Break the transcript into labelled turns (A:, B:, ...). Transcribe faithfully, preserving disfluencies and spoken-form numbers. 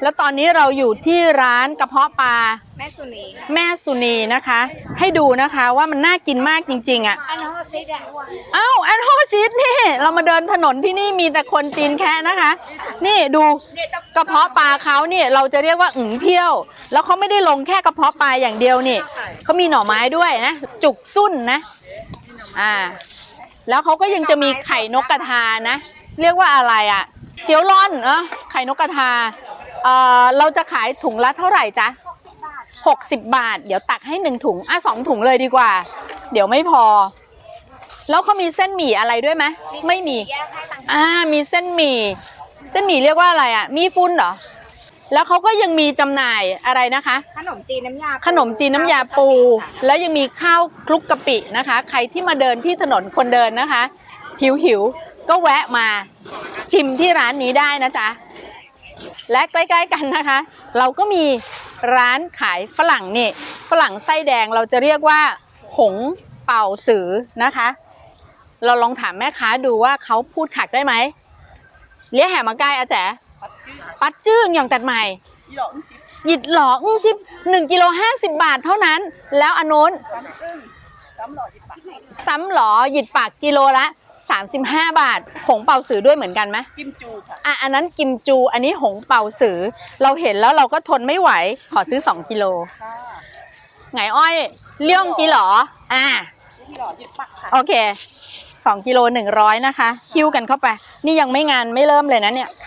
A: แล้วตอนนี้เราอยู่ที่ร้านกระเพาะปลา
B: แม่สุนี
A: แม่สุนีนะคะให้ดูนะคะว่ามันน่ากินมากจริงๆอ่ะ
B: อันฮอซิดอะ
A: อ้าวอันฮอชิดนี่เรามาเดินถนนที่นี่มีแต่คนจีนแค่นะคะนี่ดูกระเพาะปลาเขาเนี่ยเราจะเรียกว่าอึ่งเพี้ยวแล้วเขาไม่ได้ลงแค่กระเพาะปลาอย่างเดียวนี่เขามีหน่อไม้ด้วยนะจุกสุ่นนะอ่าแล้วเขาก็ยังจะมีไข่นกกระทานะเรียกว่าอะไรอ่ะเตี๋ยวร่อนเออไข่นกกระทาเอ่อเราจะขายถุงละเท่าไหร่จ๊ะหกสิบบาทเดี๋ยวตักให้หนึ่งถุงอ่ะสองถุงเลยดีกว่าเดี๋ยวไม่พอแล้วเขามีเส้นหมี่อะไรด้วยไหมไม่มีอ่ามีเส้นหมี่เส้นหมี่เรียกว่าอะไรอ่ะมีฟุ้นเหรอแล้วเขาก็ยังมีจำหน่ายอะไรนะคะ
B: ขนมจีนน้ำยา
A: ขนมจีนน้ำยาปูแล้วยังมีข้าวคลุกกะปินะคะใครที่มาเดินที่ถนนคนเดินนะคะหิวหิวก็แวะมาชิมที่ร้านนี้ได้นะจ๊ะและใกล้ๆกันนะคะเราก็มีร้านขายฝรั่งนี่ฝรั่งไส้แดงเราจะเรียกว่าหงเป่าสือนะคะเราลองถามแม่ค้าดูว่าเขาพูดขักได้ไหมเลี้ยแห่มาใกล้อาแจ๋ปัดจื้งอย่างตัดใหม่หยิดหล่ออื้อชิบหนึ่งกิโลห้าสิบบาทเท่านั้นแล้วอันโน้นซ้ำหล่อหยิดปากกิโลละสามสิบห้าบาทหงเป่าสือด้วยเหมือนกันไหม
C: กิมจูค่ะ
A: อ่ะอันนั้นกิมจูอันนี้หงเป่าสือเราเห็นแล้วเราก็ทนไม่ไหวขอซื้อสองกิโลไงอ้อยเลี้ยงกี่หรออ่าโอเคสองกิโลหนึ่งร้อยนะคะคิ้วกันเข้าไปนี่ยังไม่งานไม่เริ่มเลยนะเนี่ย